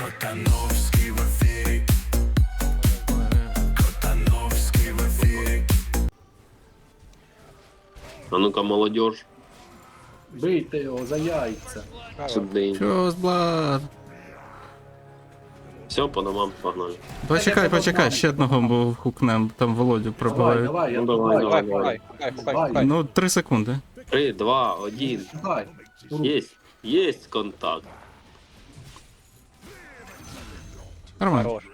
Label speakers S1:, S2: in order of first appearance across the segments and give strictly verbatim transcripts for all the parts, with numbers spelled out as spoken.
S1: Котановський в ефірі. Котановський в ефірі.
S2: А ну-ка, молодежь,
S3: Бийте його за яйця.
S2: сюди.
S4: Чо, Блад?
S2: Все, по домам, погнали.
S4: Почекай, почекай, ще одного бо хукнем, там Володю
S3: Давай,
S4: пробивають.
S3: давай, я
S2: Ну, давай,
S3: давай,
S2: давай,
S3: давай.
S2: давай.
S5: Хукай, хукай, хукай.
S4: Ну, три секунди.
S2: Три, два, один.
S3: Давай.
S2: Есть, есть контакт.
S4: Нормально.
S5: Хорош.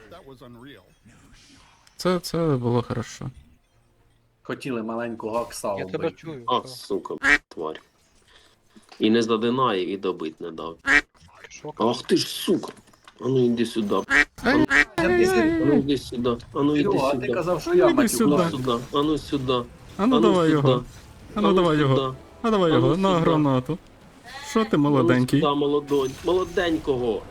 S4: Це, це було хорошо.
S3: Хотіли маленького Оксалу
S5: Я тебе
S3: бити.
S5: чую.
S2: А, сука, тварь. І не задинає, і добить не дав.
S5: Що?
S2: Ах ти ж, сука. А ну іди сюди. А ну іди сюди. А ну іди
S3: Серега, а ти
S2: сюди.
S3: казав, що
S4: Ну,
S3: я
S4: іди
S2: А
S3: матюк.
S4: сюди.
S2: ну сюди. А ну сюди.
S4: А ну давай його. А ну давай його.
S2: сюди.
S4: А давай
S2: А ну
S4: його, на
S2: сюди.
S4: гранату. Що ти
S2: А ну
S4: молоденький?
S2: сюди, молодонь. Молоденького.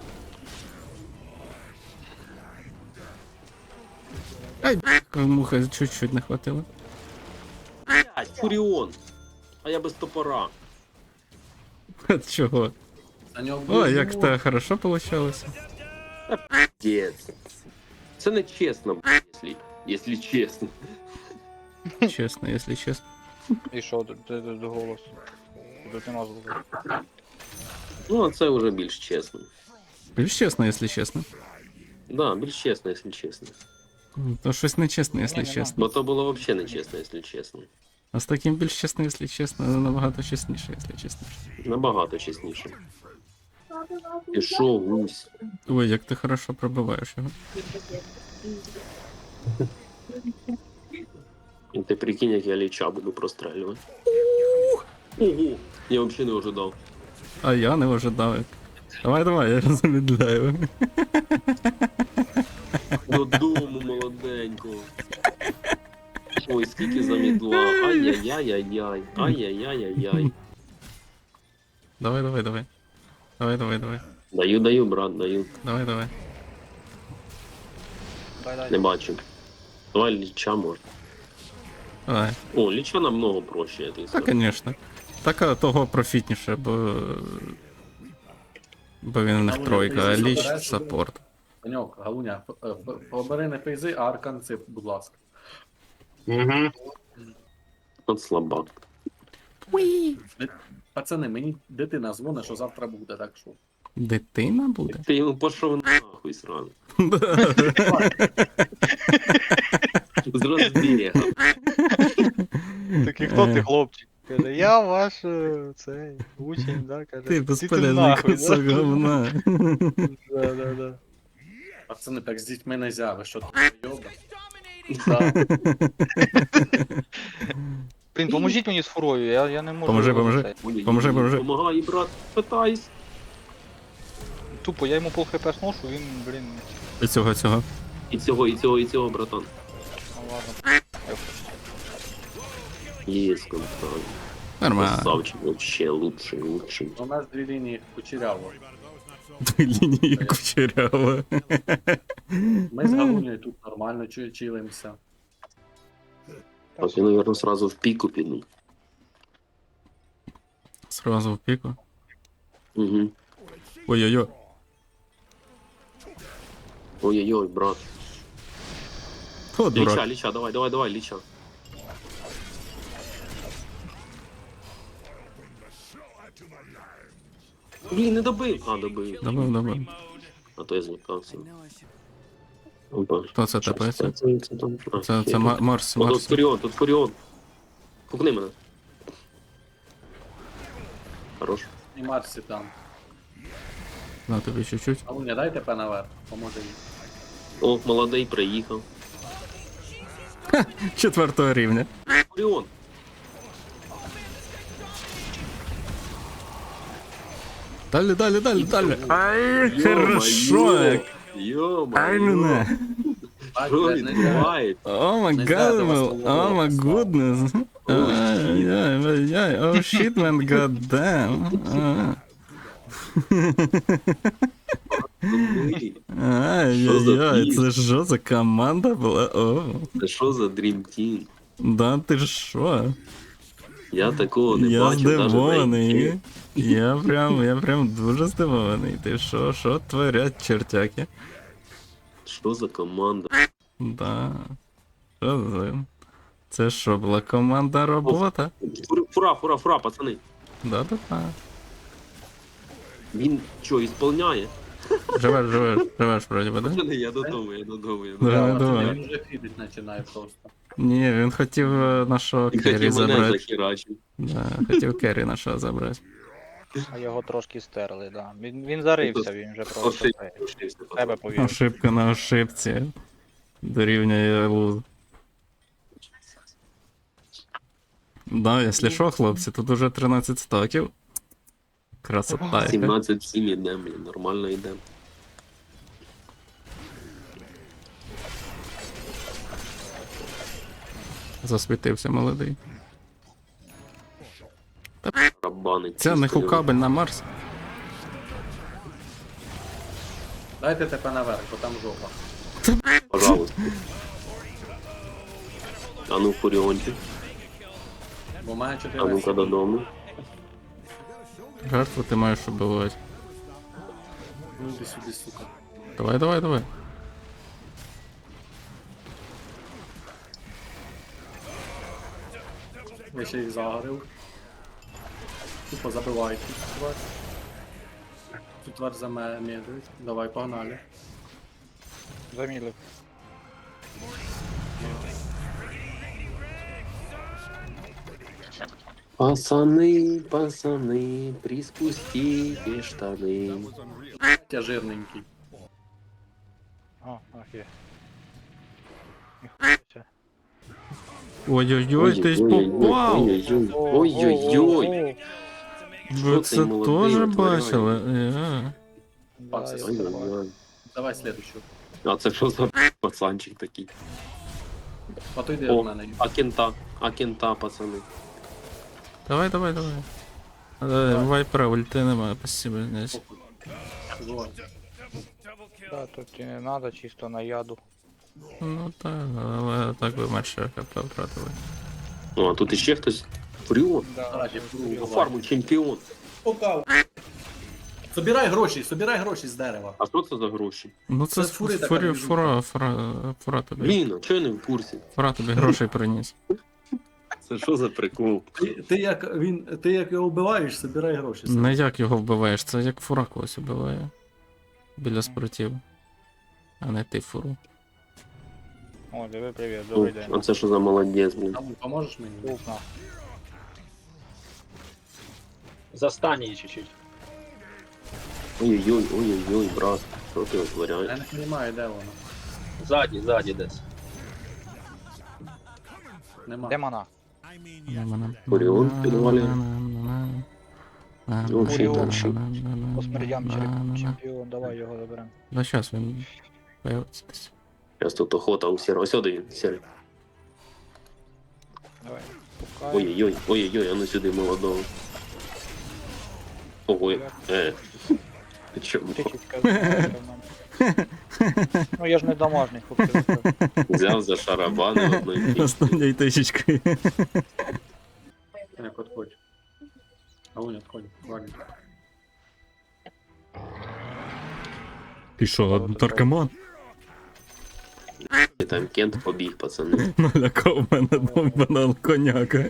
S4: Ай, муха, чуть-чуть не хватило.
S2: Блядь, Фуріон. А я без топора.
S4: От чого?
S3: На нього
S4: Ой,
S3: буде
S4: як в
S3: зимова.
S4: тебе хорошо получалося.
S2: Дєць. Це не чесно, якщо, якщо чесно.
S4: Чесно, якщо чесно.
S5: І що, де, де, де, де голос? Де ти назву?
S2: Ну, а це вже більш чесно.
S4: Більш чесно, якщо чесно.
S2: Да, більш чесно, якщо чесно.
S4: То щось нечесно, якщо
S5: Ні-ні-ні.
S4: чесно.
S2: Бо то було взагалі не чесно, якщо чесно.
S4: А з таким більш чесно, якщо чесно, набагато чесніше, якщо чесно.
S2: Набагато чесніше. Пішов гусь.
S4: Ой, як ти хорошо пробиваєш його.
S2: І ти прикинь, як я ліча буду прострелювати. Ого! Я взагалі не ожидав.
S4: А я не ожидав. як. Давай, давай, я замедляю.
S2: Додому молоденького. Ой, скільки замідла. Ай-яй-яй-яй-яй. Ай-яй-яй-яй-яй.
S4: Давай, давай, давай. Давай, давай, давай.
S2: Даю, даю, брат, даю.
S4: Давай, давай.
S5: Дай, дай.
S2: Не бачу. Давай ліча може.
S4: Давай.
S2: О, ліча намного проще, я тобі
S4: Та,
S2: скажу.
S4: звісно. Так а того профітніше, бо. Бо він у них тройка, а ліч саппорт.
S3: Паньок, Галуня, п- е, п- побери не фейзи, а арканци, будь ласка.
S2: Угу. От слабак.
S3: Пацани, мені дитина дзвонить, що завтра буде, так що.
S4: Дитина буде?
S2: Ти йому пішов нахуй сразу. З розбіга.
S5: Такий, хто ти, хлопчик? Каже, я ваш е, цей учень, да? Каже,
S4: Ти
S5: «Іди
S4: безполезний
S5: нахуй,
S4: кусок
S5: да?»
S4: говна.
S5: Да, да, да.
S3: Пацани, так з дітьми не зяви, що ти йоба. Да.
S5: Блін, поможіть мені з фурою, я, я не можу.
S4: Поможи, поможи.
S5: цей.
S2: Ой,
S4: Поможи, поможи.
S2: Помагай, брат, питайся.
S5: Тупо, я йому пол хп сношу, він, блін,
S4: І цього, цього.
S2: І цього, і цього, і цього, братан.
S5: ну ладно.
S2: Єс, контакт.
S4: Нормально.
S2: Красавчик, вообще лучший, лучший.
S3: У нас дві лінії кучеряво.
S4: Дві лінії кучерява.
S3: Ми з Галунею тут нормально чу- чилимося.
S2: Так, я, наверное, сразу в пику піду.
S4: Сразу в піку.
S2: Угу.
S4: Ой-ой-ой.
S2: Ой-ой-ой, брат.
S4: О,
S2: Ліча,
S4: дурак.
S2: ліча, давай, давай, давай, ліча. Блін, не добив. А, добив.
S4: Добив, добив.
S2: А то я злякався. Опа.
S4: Хто це тепається?
S2: Це, це, там? А,
S4: Це,
S2: хер.
S4: це Ма- Марс,
S2: О, тут
S4: Марс.
S2: Фуріон, тут Фуріон. Пукни мене. Хорош.
S3: І Марсі там.
S4: На тобі чуть-чуть.
S3: Галуня, дайте пе наверх, поможе їй.
S2: О, молодий приїхав.
S4: Четвертого рівня.
S2: Фуріон.
S4: Далі, далі, далі, далі. Ай, хорошо. як. Ай, ну
S2: Йо-моє.
S4: не.
S3: Бать,
S2: Що
S3: блядь, не зря.
S2: відбувається?
S4: О май
S3: Не
S4: гад,
S3: знаю,
S4: о
S3: вас
S4: май
S3: слово
S4: гуднес. Ай-яй-яй, о щит, мен, гаддам.
S2: Ой,
S4: Ай-яй-яй, це що за команда була? О,
S2: Це що за Dream Team?
S4: да ти ж що?
S2: Я такого не
S4: Я
S2: бачив навіть на
S4: здивований.
S2: інші.
S4: Я прям, я прям дуже здивований. Ти що, що творять чертяки?
S2: Що за команда?
S4: Да. Що за... Це що, була команда робота?
S2: Фура, фура, фура, фура, пацани.
S4: Да-да-да.
S2: Він що, ісполняє?
S4: Живеш, живеш, живеш, вроді би, да?
S2: Пацани, я додому, я додому, я
S4: Давай,
S2: додому.
S4: давай.
S3: Він вже фідить починає просто.
S4: Ні, він хотів е, нашого
S2: Він
S4: Керрі
S2: хотів мене
S4: забрати.
S2: захерачити.
S4: Да, хотів Керрі нашого забрати.
S5: А його трошки стерли, да. Він, він зарився, він вже просто
S2: Ошибся,
S5: цей,
S2: ошибся,
S5: в себе повірив.
S4: Ошибка на ошибці. Дорівнює луз. Да, якщо що, хлопці, тут уже тринадцять стаків. Красота яка.
S2: сімнадцять сім ідем, блін, нормально йдем.
S4: Засвітився молодий.
S2: Рабанить.
S4: Це не хукабель на Марс.
S3: Дайте тебе наверх, бо там жопа.
S2: Пожалуйста. А ну, Фуріончик.
S3: Бо має
S2: А
S3: чотири.
S2: ну-ка додому.
S4: Жертву ти маєш убивати.
S3: Ну іди сюди, сука.
S4: Давай, давай, давай.
S3: Я ще їх загорив. Тупо забивають цю тварь. Цю тварь замедлюють. Давай, погнали.
S5: Замілив.
S2: Пацани, пацани, приспустите штани.
S3: Я жирненький.
S5: О, ах є. Ніхуя.
S4: Ой-ой-ой, ти ж попав!
S2: Ой-ой-ой, ой-ой-ой.
S4: Ви
S2: Що
S4: це
S2: цей молодий
S4: теж
S2: витворяє?
S4: бачили? Е.
S3: Да, я
S2: Ой-ой-ой.
S3: Давай следующую.
S2: А це що за пацанчик такий?
S3: А то йди
S2: О,
S3: в мене.
S2: а кента, а кента, пацани.
S4: Давай, давай, давай. Е, Вайпера ульти немає, спасибо. Десь.
S3: Бувай.
S5: Да, тут і не надо, чисто на яду.
S4: Ну так, але так би менше хп втратили.
S2: Ну, а тут іще хтось. Фуріон.
S3: Раді,
S2: По фарму чемпіон.
S3: Собирай гроші, собирай гроші з дерева.
S2: А що це за гроші?
S4: Ну це
S3: Це з фури така
S4: фура,
S3: движуха.
S4: фура, фура, фура тобі.
S2: Блін, а чого я не в курсі?
S4: Фура тобі грошей приніс.
S2: Це що за прикол?
S3: Ти, ти як він, ти як його вбиваєш, собирай гроші.
S4: Не як його вбиваєш, це як фура когось вбиває. Біля спортів. А не ти фуру.
S5: О, диви, привіт,
S2: О,
S5: добрий день.
S2: а це що за молодець, блін?
S3: Там поможеш мені?
S5: Ух, на.
S6: Застань її чуть-чуть.
S2: Ой-ой-ой, ой-ой-ой, брат. Що ти
S3: Я
S2: витворяєш?
S3: не розумію, де воно.
S6: Ззаді, ззаді десь.
S3: Нема.
S5: Де мана?
S2: Фуріон підвалює. Ну,
S5: Фуріон.
S2: вообще,
S5: По смердям чемп- чемпіон, давай його заберемо.
S4: Да щас він появиться десь.
S2: Зараз тут охота у сірого. Ось сюди він, сірий.
S5: Давай. Пукай.
S2: Ой-ой-ой, ой-ой-ой, а ну сюди молодого. Ого, е. Ти чому?
S5: Птичечка. Ну я ж не домашній, хлопці.
S2: Взяв за шарабани одної пісні.
S4: Останньою тисячкою.
S3: Так, отходь. А он отходь. Ладно.
S4: Ти що, наркоман?
S2: І там Кент побіг, пацани.
S4: Налякав мене довбана коняка.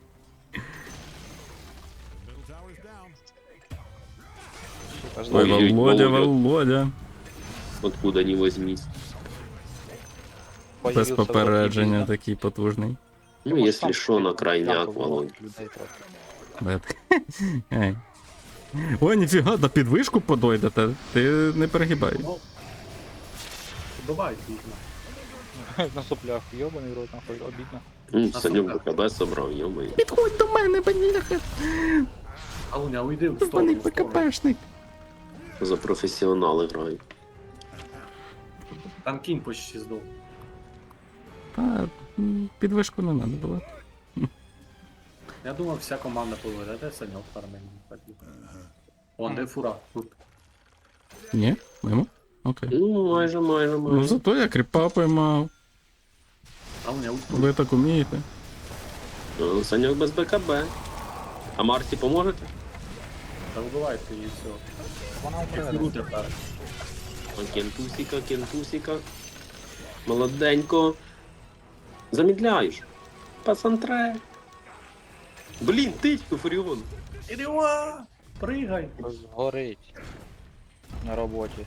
S2: Ой,
S4: Ой,
S2: ой,
S4: Володя,
S2: Володя.
S4: Володя.
S2: Откуда не возьмись.
S4: Без попередження такий потужний.
S2: Ну, якщо що, на крайняк, Володь.
S4: Де ти? Ей. Ой, ніфіга, на підвишку подойдете. Ти не перегибай.
S3: Ну, Добавь їх.
S5: На соплях, йобаний рот, нахуй, обідно.
S2: Ну, Санюк БКБ собрав, йомай.
S4: Підходь до мене, бляха.
S3: Алуня, уйди в
S4: Вони
S3: сторону. в сторону.
S4: ПКПшник.
S2: За професіонали грають.
S3: Там кінь почти здох.
S4: Та м, підвишку не треба було.
S3: Я думав, вся команда поведе, де Саньок фармить. Вон, де фура. Тут.
S4: Ні? Мимо? Окей.
S2: Ну, майже, майже,
S4: Ну
S2: майже.
S4: зато я кріпа поймав.
S3: Алуня, уйди.
S4: Ви так умієте.
S2: Ну, Саньок без БКБ. А Марсі поможете?
S3: Та вбивайте її все.
S5: Вона вмре.
S3: Фігуру тепер.
S2: О, кентусіка, кентусіка. Молоденько. Замідляєш. Пасантре. Блін, тичку, Фуріон.
S3: Іріва! Пригай!
S5: Згорить. На роботі.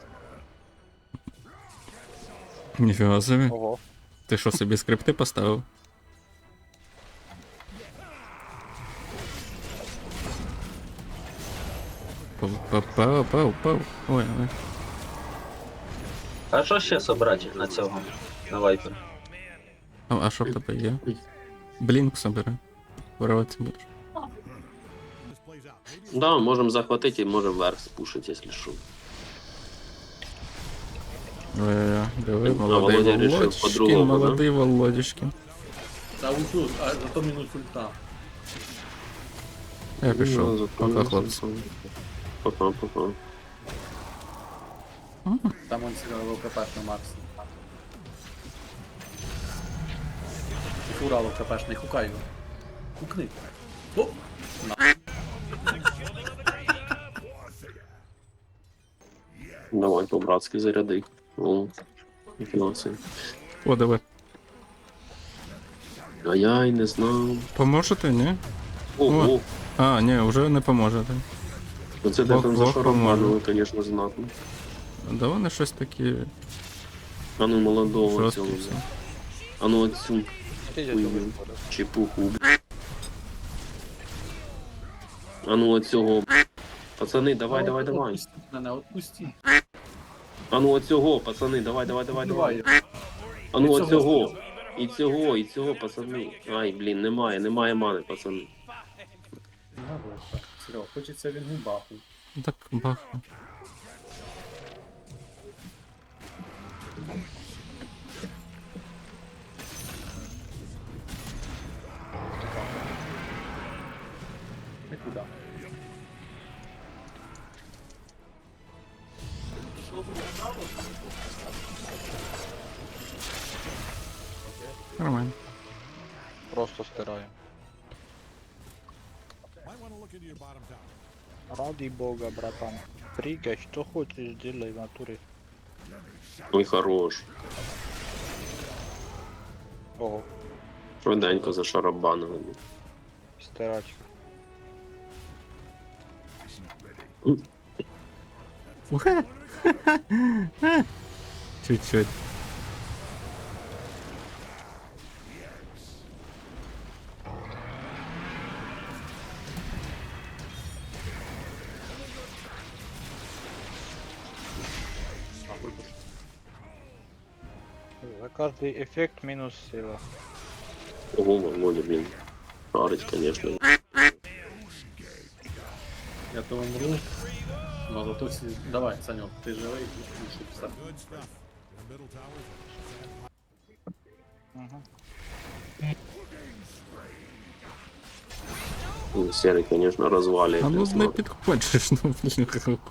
S4: Ніфіга собі.
S5: Ого.
S4: Ти що собі скрипти поставив? Пау, пау, пау, пау, пау. Ой, ой.
S6: А що ще собрати на цього? На вайпер?
S4: А, а що в тебе є? Блінк собери. Вирватися будеш.
S2: Да, можемо захватити і можемо вверх спушити, якщо що.
S4: Ой-ой-ой, диви,
S2: А
S4: молодий
S2: Володя рішив
S4: Володюшкін,
S2: по-другому, да?
S4: молодий Володюшкін.
S3: Та ульту, а зато мінус ульта.
S4: Я пішов.
S2: Ну,
S4: Пока, хлопці.
S2: Пока, пока.
S3: Там он сильно ЛКПш на Максі. І фура ЛКПш, не хукай його. Хукни. О!
S2: Давай по-братськи заряди. О, ніфіга собі.
S4: О, диви.
S2: А я й не знав.
S4: Поможете, ні?
S2: Ого,
S4: А, ні, вже не поможете.
S2: оце де
S4: Бог-
S2: там
S4: Бог
S2: за шаром
S4: поможе.
S2: панули, звісно, знатно.
S4: Да вони щось такі
S2: А ну молодого
S4: жорсткі
S2: цього.
S4: все.
S2: А ну оцю
S5: Ти я
S2: хуйню.
S5: думаю,
S2: Чепуху. А ну оцього. Пацани, давай, давай, давай.
S3: Отпустіть мене, отпустіть.
S2: А ну оцього, пацани, давай, давай, давай, давай.
S3: Вбивай.
S2: А ну
S3: І цього.
S2: оцього. І цього, і цього, пацани. Ай, блін, немає, немає мани, пацани.
S3: Серега, хочеться він губаху.
S4: Так, бах.
S3: Нікуди.
S4: Нормально.
S5: просто стираю. Ради бога, братан. Прыгай, что хочешь, делай в натуре.
S2: Ой, хорош.
S5: Ого,
S2: Швиденько зашарабанили.
S5: стирачка.
S4: Уха! Чуть-чуть.
S5: За каждый эффект минус сила.
S2: Ого, Володя, блін. Шарить, звісно.
S3: Я то умру. Ну зато всі... Давай, Санек, ти живий, і все.
S5: Угу.
S2: Ну, Серий, звісно, розвалює.
S4: А ну не
S2: смак.
S4: підходиш, ну блін.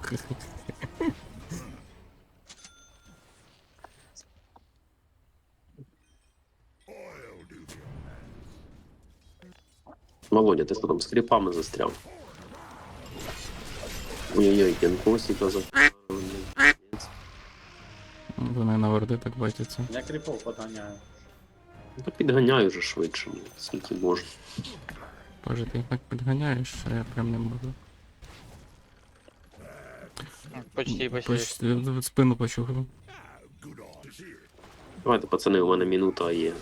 S2: Володя, ти що там з кріпами застряв? Ой-ой-ой, кенкосіка за...
S4: Вони на ворди так бачаться.
S3: Я кріпов подганяю.
S2: Та підганяю вже швидше, ну, скільки можна.
S4: Боже, ти їх так підганяєш, а я прям не можу.
S5: Почти, почти.
S4: Почти в спину почухав.
S2: Давайте, пацани, у мене минута є.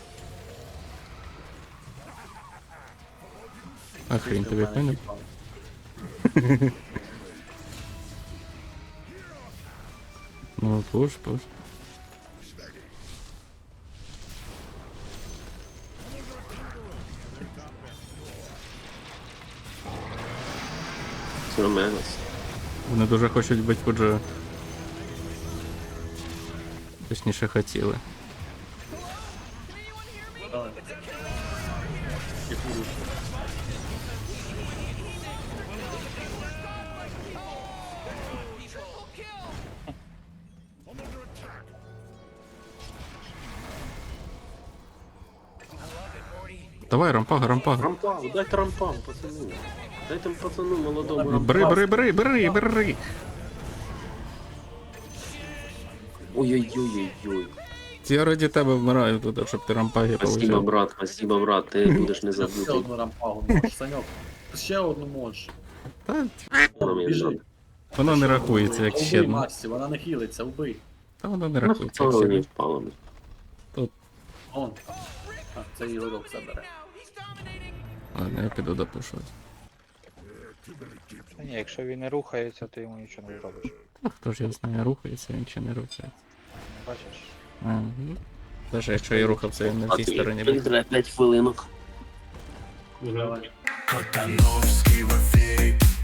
S4: А хрін тобі
S3: Мене
S4: поняв?
S3: кріпав.
S4: Ну, пуш, пуш.
S2: Це Мегас.
S4: Вони дуже хочуть бути Фуджо. Точніше хотіли.
S3: Давай. І фуру.
S4: Давай, рампага, рампага.
S2: Рампам, дайте рампам, пацану. Дайте пацану молодому рампам.
S4: Бери, бери, бери, бери, бери.
S2: Ой-ой-ой-ой-ой.
S4: Я раді тебе вмираю туди, щоб ти рампаги
S2: Спасибо,
S4: получив.
S2: брат, спасибо, брат, ти будеш не
S3: Ще
S2: забутий.
S3: одну рампагу можеш, Саньок. Ще одну можеш.
S4: Та,
S2: Воно мені
S3: Біжи.
S2: надо.
S4: воно не рахується, як
S3: Убий
S4: ще одне.
S3: Масті, вона не хілиться, убий.
S4: Та воно не
S2: Ну,
S4: рахується, як
S2: хто
S4: ще
S2: мені
S4: одне.
S2: впало?
S3: Он. А, це Ігорок забере.
S4: Ладно, я піду допушувати.
S5: Та ні, якщо він не рухається, ти йому нічого не зробиш.
S4: Та хто ж я знаю, рухається, він чи не рухається.
S5: Бачиш?
S4: А, ну, навіть якщо я рухався, він не в цій стороні був.
S2: п'ять хвилинок.
S3: Давай.
S1: Котановський в ефірі.